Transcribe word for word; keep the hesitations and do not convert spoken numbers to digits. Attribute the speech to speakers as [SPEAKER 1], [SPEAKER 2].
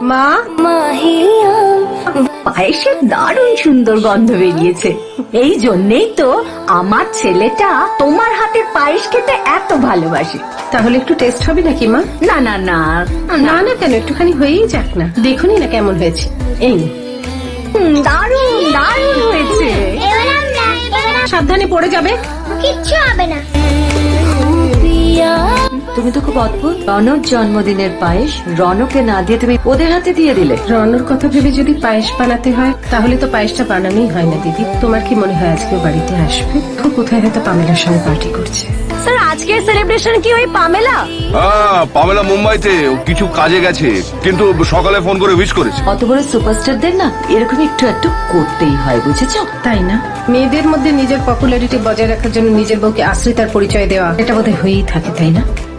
[SPEAKER 1] মা,
[SPEAKER 2] পায়েসের দারুণ সুন্দর গন্ধ বেরিয়েছে। এই জন্যেই তো আমার ছেলেটা তোমার হাতের পায়েস খেতে এত ভালোবাসে।
[SPEAKER 1] তাহলে একটু টেস্ট হবে নাকি মা?
[SPEAKER 2] না না না
[SPEAKER 1] না না কেন, একটুখানি হয়েই যাক না, দেখুনি না কেমন হয়েছে। এই নে।
[SPEAKER 2] হুম, দারুণ দারুণ হয়েছে।
[SPEAKER 3] এবার আমরা এবার
[SPEAKER 1] সাবধানে পড়ে যাবে।
[SPEAKER 3] কিচ্ছু হবে না।
[SPEAKER 4] তুমি তো খুব অদ্ভুত। রনর জন্মদিনের পায়েস রনকে না দিয়ে তুমি ওদের হাতে দিয়ে দিলে।
[SPEAKER 1] রনর কথা ভেবে যদি পায়েস বানাতে হয় তাহলে তো পায়েসটা বানানোই হয় না দিদি। তোমার কি মনে হয় আজকে ও বাড়িতে আসবে? তো কোথায় হয়তো পামেলার সঙ্গে পার্টি করছে।
[SPEAKER 2] স্যার, আজকের সেলিব্রেশন কি ওই পামেলা?
[SPEAKER 5] হ্যাঁ, পামেলা মুম্বাইতে ও কিছু কাজে গেছে, কিন্তু সকালে ফোন করে উইশ করেছে।
[SPEAKER 4] অত বড় সুপারস্টারদের না এরকম একটু একটু করতেই হয়, বুঝেছো?
[SPEAKER 1] তাই না? মেয়েদের মধ্যে নিজের পপুলারিটি বজায় রাখার জন্য নিজের বউকে আশ্রিতার পরিচয় দেওয়া, এটা বোধহয় হয়েই থাকে, তাই না?